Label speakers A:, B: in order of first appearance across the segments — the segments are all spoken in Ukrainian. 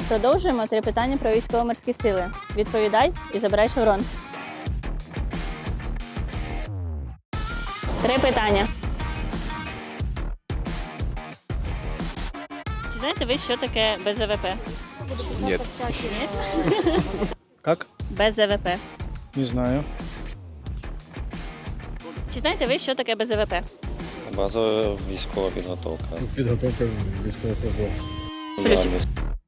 A: Продовжуємо 3 питання про військово-морські сили. Відповідай і забирай шеврон. 3 питання. Чи знаєте ви, що таке БЗВП?
B: Нет.
C: Как?
A: БЗВП.
C: Не знаю.
A: Чи знаєте ви, що таке БЗВП?
B: Базова військова підготовка.
D: Підготовка військовослужбовців.
A: Плюс.
B: Армія.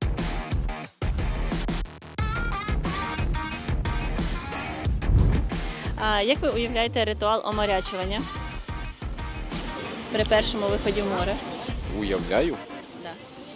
A: А як ви уявляєте ритуал оморячування при першому виході в море?
B: Уявляю.
A: Да.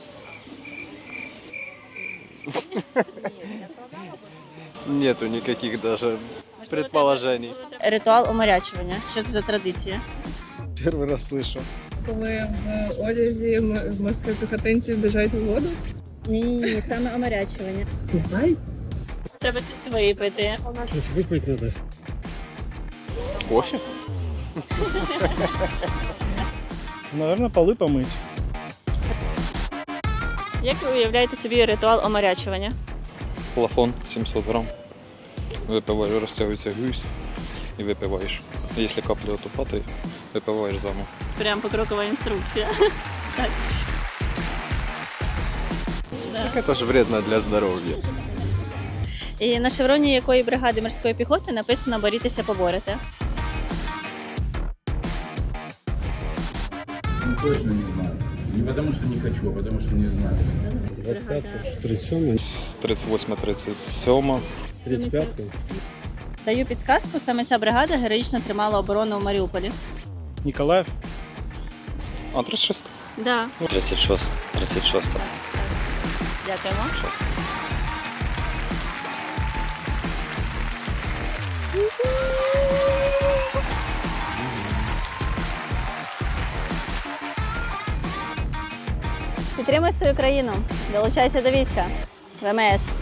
B: Нету никаких даже предположений.
A: Ритуал оморячування. Що це за традиція?
C: Первый раз слышу.
E: Коли в одязі морської піхотинці біжать у воду.
A: Ні, саме оморячування.
E: Купай.
A: Треба щось випити.
D: Щось випити не дасть.
B: Кофе?
C: Наверное, полы помыть.
A: Як ви уявляєте собі ритуал оморячування?
F: Плафон 700 грам. Випиваєш, розтягується гусь і випиваєш. Якщо капля отупа, то випиваєш заново.
A: Прям покрокова інструкція. Так.
B: Так это же вредно для здоровья.
A: І на шевроні якої бригади морської піхоти написано «Борітеся, поборете».
G: Ну, точно не знаю. Не потому что не хочу, а потому что не знаю.
D: 25-ка, 37
F: З 38-37.
D: 35-ка.
A: Даю підсказку, саме ця бригада героїчно тримала оборону в Маріуполі.
C: Николаев?
F: А 36.
A: Да.
B: 36. 36.
A: Дякуємо. Підтримуй свою країну, долучайся до війська. ВМС.